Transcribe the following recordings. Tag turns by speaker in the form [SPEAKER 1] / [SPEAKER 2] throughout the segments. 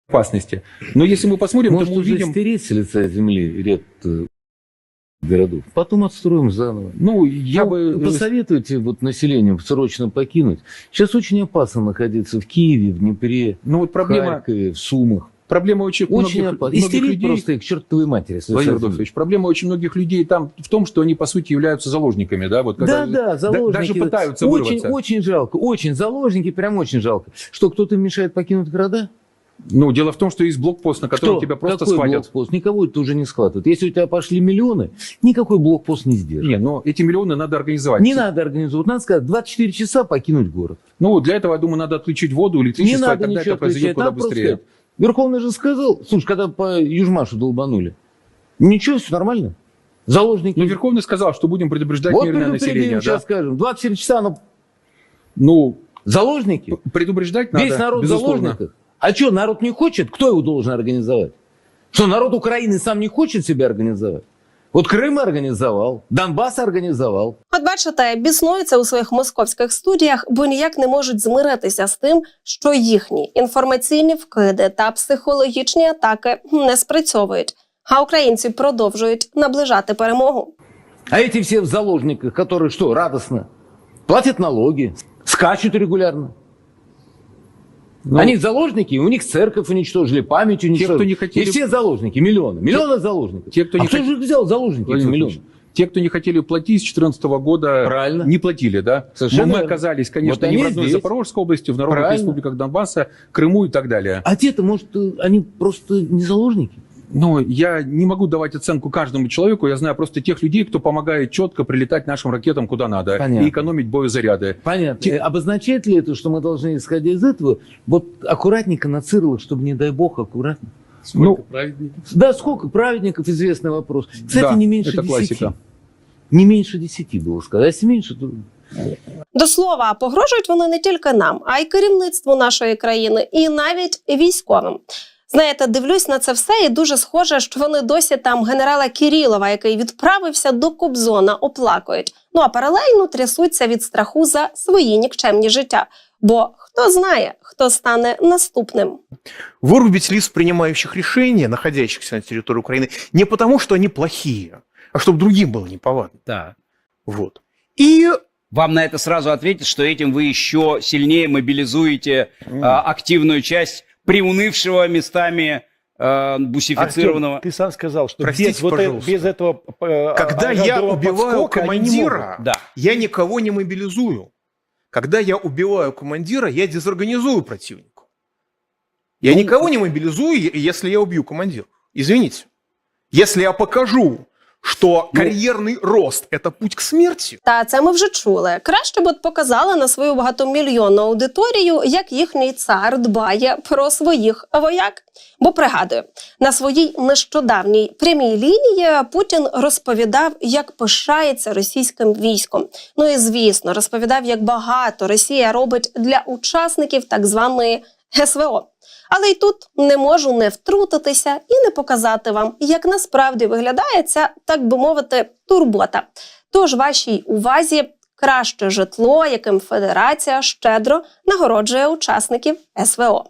[SPEAKER 1] опасности. Но если мы посмотрим,
[SPEAKER 2] может,
[SPEAKER 1] то мы
[SPEAKER 2] уже
[SPEAKER 1] увидим...
[SPEAKER 2] стереть с лица земли ряд городов. Потом отстроим заново.
[SPEAKER 1] Ну, я бы...
[SPEAKER 2] Посоветуйте вот населению срочно покинуть. Сейчас очень опасно находиться в Киеве, в Днепре,
[SPEAKER 1] Ну, вот проблема...
[SPEAKER 2] в Харькове, в Сумах.
[SPEAKER 1] Проблема очень
[SPEAKER 2] опасно. Истерить
[SPEAKER 1] людей...
[SPEAKER 2] просто их к чертовой матери.
[SPEAKER 1] Владимир Адольфович, проблема очень многих людей там в том, что они, по сути, являются заложниками. Да, вот,
[SPEAKER 2] да, заложники.
[SPEAKER 1] Даже пытаются вырваться.
[SPEAKER 2] Очень жалко. Очень. Заложники прям очень жалко. Что, кто-то мешает покинуть города?
[SPEAKER 1] Ну, дело в том, что есть блокпост, на котором тебя просто
[SPEAKER 2] Какой
[SPEAKER 1] схватят.
[SPEAKER 2] Блокпост? Никого это уже не схватывают. Если у тебя пошли миллионы, никакой блокпост не сдержит.
[SPEAKER 1] Не, но эти миллионы надо организовать.
[SPEAKER 2] Не надо организовать. Надо сказать, 24 часа покинуть город.
[SPEAKER 1] Ну, для этого, я думаю, надо отключить воду, электричество,
[SPEAKER 2] Не надо
[SPEAKER 1] тогда
[SPEAKER 2] ничего
[SPEAKER 1] это произойдет
[SPEAKER 2] отключать.
[SPEAKER 1] куда
[SPEAKER 2] Надо просто
[SPEAKER 1] быстрее.
[SPEAKER 2] сказать. Верховный же сказал, слушай, когда по Южмашу долбанули, ничего, все нормально. Заложники.
[SPEAKER 1] Ну, Верховный сказал, что будем предупреждать
[SPEAKER 2] вот
[SPEAKER 1] мирное население.
[SPEAKER 2] сейчас
[SPEAKER 1] Да?
[SPEAKER 2] скажем, 24 часа,
[SPEAKER 1] Ну,
[SPEAKER 2] заложники.
[SPEAKER 1] предупреждать надо,
[SPEAKER 2] Весь народ в
[SPEAKER 1] безусловно.
[SPEAKER 2] заложниках. А что, народ не хочет? Кто его должен организовать? Что, народ Украины сам не хочет себя организовать? От Крим організував, Донбас організував.
[SPEAKER 3] От бачите, біснуються у своїх московських студіях, бо ніяк не можуть змиритися з тим, що їхні інформаційні вкиди та психологічні атаки не спрацьовують, а українці продовжують наближати перемогу.
[SPEAKER 2] А эти все в заложниках, которые что, радостно? Платят налоги, скачут регулярно.
[SPEAKER 1] Ну,
[SPEAKER 2] они заложники, у них церковь уничтожили, память уничтожили.
[SPEAKER 1] кто не хотели...
[SPEAKER 2] И все заложники, миллионы заложников.
[SPEAKER 1] Те, кто не
[SPEAKER 2] кто же их взял заложники, эти миллионы?
[SPEAKER 1] Те, кто не хотели платить с 2014 года,
[SPEAKER 2] Правильно.
[SPEAKER 1] не платили, да?
[SPEAKER 2] Совершенно
[SPEAKER 1] Мы оказались, конечно,
[SPEAKER 2] вот
[SPEAKER 1] не в
[SPEAKER 2] они
[SPEAKER 1] родной
[SPEAKER 2] здесь.
[SPEAKER 1] Запорожской области, в народных
[SPEAKER 2] Правильно.
[SPEAKER 1] республиках Донбасса, Крыму и так далее.
[SPEAKER 2] А те-то, может, они просто не заложники?
[SPEAKER 1] Но я не могу давать оценку каждому человеку, я знаю просто тех людей, кто помогает четко прилетать нашим ракетам куда надо.
[SPEAKER 2] Понятно.
[SPEAKER 1] И экономить боезаряды.
[SPEAKER 2] Понятно. Обозначает ли это, что мы должны, исходя из этого, вот аккуратненько на Цирла, чтобы, не дай бог, аккуратно?
[SPEAKER 1] Сколько
[SPEAKER 2] праведников? Да, сколько праведников, известный вопрос. Кстати,
[SPEAKER 1] да,
[SPEAKER 2] не меньше
[SPEAKER 1] это
[SPEAKER 2] 10.
[SPEAKER 1] классика.
[SPEAKER 2] Не меньше 10 было сказать. А если меньше, то...
[SPEAKER 3] До слова, погрожують вони не тільки нам, а й керівництву нашої країни, і навіть військовим. Знаєте, дивлюсь на це все і дуже схоже, що вони досі там генерала Кирилова, який відправився до Кобзона, оплакують. Ну а паралельно трясуться від страху за свої нікчемні життя. Бо хто знає, хто стане наступним.
[SPEAKER 4] Вырубить лиц, принимающих решения, находящихся на территории Украины, не потому, что они плохие, а чтобы другим было неповадно.
[SPEAKER 5] Да.
[SPEAKER 4] Вот. И
[SPEAKER 5] Вам на это сразу ответят, что этим вы еще сильнее мобилизуете активную часть приунывшего местами бусифицированного.
[SPEAKER 6] Артем, ты сам сказал, что
[SPEAKER 4] Простите, пожалуйста.
[SPEAKER 6] без этого
[SPEAKER 4] когда я убиваю
[SPEAKER 6] подскока они не
[SPEAKER 4] командира,
[SPEAKER 5] Да.
[SPEAKER 4] я никого не мобилизую. Когда я убиваю командира, я дезорганизую противника. Я никого не мобилизую, если я убью командира. Извините. Если я покажу, що кар'єрний рост – це путь к смерті.
[SPEAKER 3] Та це ми вже чули. Краще б от показали на свою багатомільйонну аудиторію, як їхній цар дбає про своїх вояк. Бо, пригадую, на своїй нещодавній прямій лінії Путін розповідав, як пишається російським військом. Ну і, звісно, розповідав, як багато Росія робить для учасників так званої СВО. Але й тут не можу не втрутитися і не показати вам, як насправді виглядає ця, так би мовити, турбота. Тож вашій увазі краще житло, яким Федерація щедро нагороджує учасників СВО.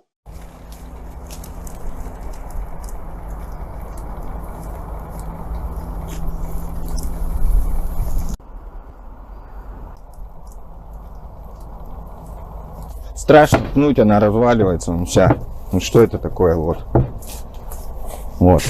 [SPEAKER 7] Страшно пнуть, она разваливается, ну вся. Ну что это такое, вот. Вот.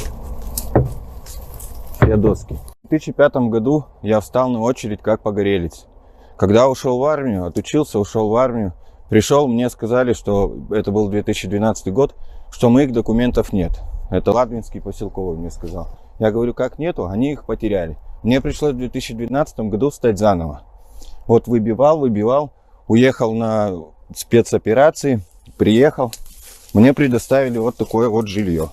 [SPEAKER 7] Все доски. В 2005 году я встал на очередь как погорелец. Когда ушел в армию, отучился, ушел в армию, пришел, мне сказали, что это был 2012 год, что моих документов нет. Это Ладвинский поселковый мне сказал. Я говорю, как нету? Они их потеряли. Мне пришлось в 2012 году встать заново. Вот выбивал, уехал на спецоперации, приехал, мне предоставили вот такое вот жилье.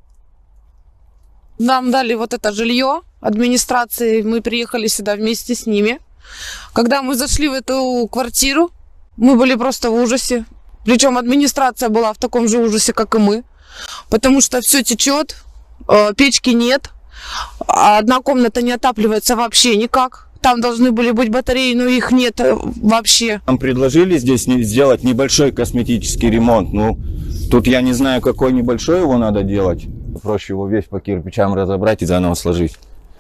[SPEAKER 8] Нам дали вот это жилье администрации, мы приехали сюда вместе с ними. Когда мы зашли в эту квартиру, мы были просто в ужасе. Причем администрация была в таком же ужасе, как и мы. Потому что все течет, печки нет, одна комната не отапливается вообще никак. Там должны были быть батареи, но их нет вообще.
[SPEAKER 7] Нам предложили здесь сделать небольшой косметический ремонт. Ну, Тут я не знаю, какой небольшой его надо делать. Проще его весь по кирпичам разобрать и заново сложить.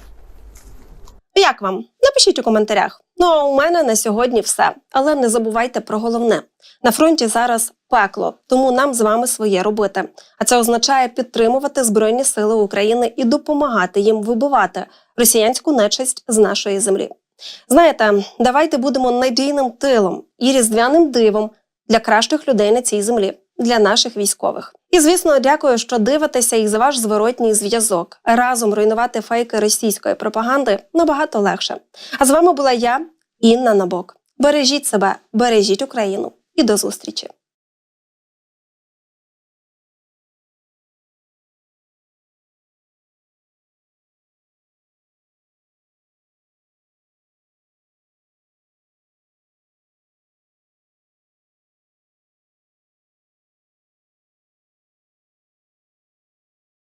[SPEAKER 3] Як вам? Напишіть у коментарях. Ну а у мене на сьогодні все. Але не забувайте про головне. На фронті зараз пекло, тому нам з вами своє робити. А це означає підтримувати Збройні Сили України і допомагати їм вибивати росіянську нечисть з нашої землі. Знаєте, давайте будемо надійним тилом і різдвяним дивом для кращих людей на цій землі, для наших військових. І, звісно, дякую, що дивитеся і за ваш зворотній зв'язок. Разом руйнувати фейки російської пропаганди набагато легше. А з вами була я, Інна Набок. Бережіть себе, бережіть Україну і до зустрічі!